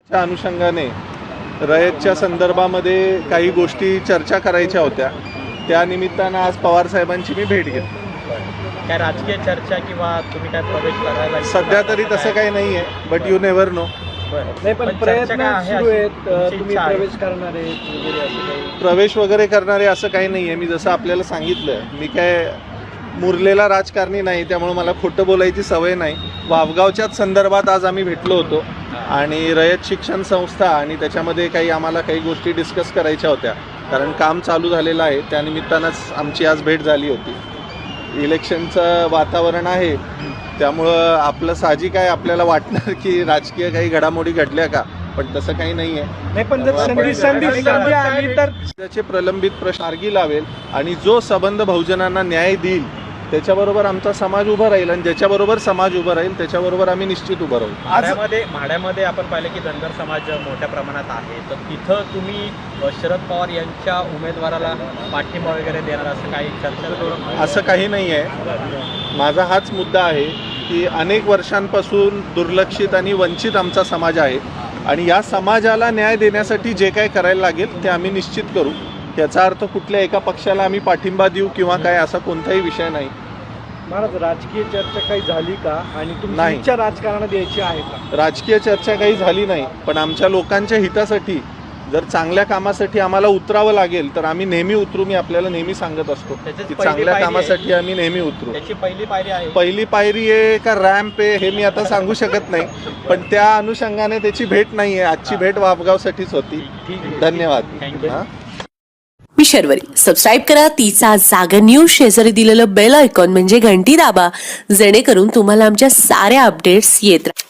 त्या अनुषंगाने रयतच्या संदर्भामध्ये काही गोष्टी चर्चा करायच्या होत्या. त्या निमित्तानं आज पवार साहेबांची मी भेट घेतली. काय राजकीय चर्चा किंवा तुम्ही काय प्रवेश करायला सध्या तरी तसं काही नाही आहे, बट यू नेव्हर नो. नाही पण प्रयत्न सुरू आहेत, तुम्ही प्रवेश करणार आहेत वगैरे असं काही? प्रवेश वगैरे करणारे असं काही नाही आहे. मी जसं आपल्याला सांगितलं, मी काय मुरलेला राजकारणी नाही, त्यामुळे मला खोटं बोलायची सवय नाही. वावगावच्याच संदर्भात आज आम्ही भेटलो होतो आणि रयत शिक्षण संस्था आणि त्याच्यामध्ये आम्हाला काही गोष्टी डिस्कस करायच्या होत्या, कारण काम चालू झालेलं आहे. त्यानिमित्तानंच आमची आज भेट झाली होती. इलेक्शनचं वातावरण आहे, त्यामुळं आपलं साहजिक आहे, आपल्याला वाटणार की राजकीय काही घडामोडी घडल्या का, पण तसं काही नाही आहे. नाही पण जर संधी आली तर त्याचे प्रलंबित प्रश्न मार्गी लावेल आणि जो संबंध बहुजनांना न्याय देईल त्याच्याबरोबर आमचा समाज उभा राहील आणि ज्याच्याबरोबर समाज उभा राहील त्याच्याबरोबर आम्ही निश्चित उभं राहू. माढ्यामध्ये आपण पाहिलं की धनगर समाज मोठ्या प्रमाणात आहे, तर तिथं तुम्ही शरद पवार यांच्या उमेदवाराला पाठिंबा वगैरे देणार असं काही चर्चा? असं काही नाही आहे. माझा हाच मुद्दा आहे की अनेक वर्षांपासून दुर्लक्षित आणि वंचित आमचा समाज आहे आणि या समाजाला न्याय देण्यासाठी जे काय करायला लागेल ते आम्ही निश्चित करू. याचा अर्थ कुठल्या एका पक्षाला आम्ही पाठिंबा देऊ किंवा काय असा कोणताही विषय नाही. महाराज, राजकीय चर्चा काही झाली का आणि तुमची नाही. इच्छा राजकारणात यायची आहे का? राजकीय चर्चा काही झाली नाही, पण आमच्या लोकांच्या हितासाठी जर चांगल्या कामासाठी आम्हाला उतरावं लागेल तर आम्ही नेहमी उतरू. मी आपल्याला नेहमी सांगत असतो की चांगल्या कामासाठी आम्ही नेहमी उतरू. त्याची पहिली पायरी आहे. पहिली पायरी आहे का रॅम्प आहे हे मी आता सांगू शकत नाही, पण त्या अनुषंगाने त्याची भेट नाही आहे. आजची भेट वापगावसाठीच होती. धन्यवाद. थँक्यू. मी शर्वरी. सबस्क्राईब करा तिचा जागर न्यूज. शेजारी दिलेलं बेल आयकॉन म्हणजे घंटी दाबा, जेणेकरून तुम्हाला आमच्या साऱ्या अपडेट्स येत राहतील.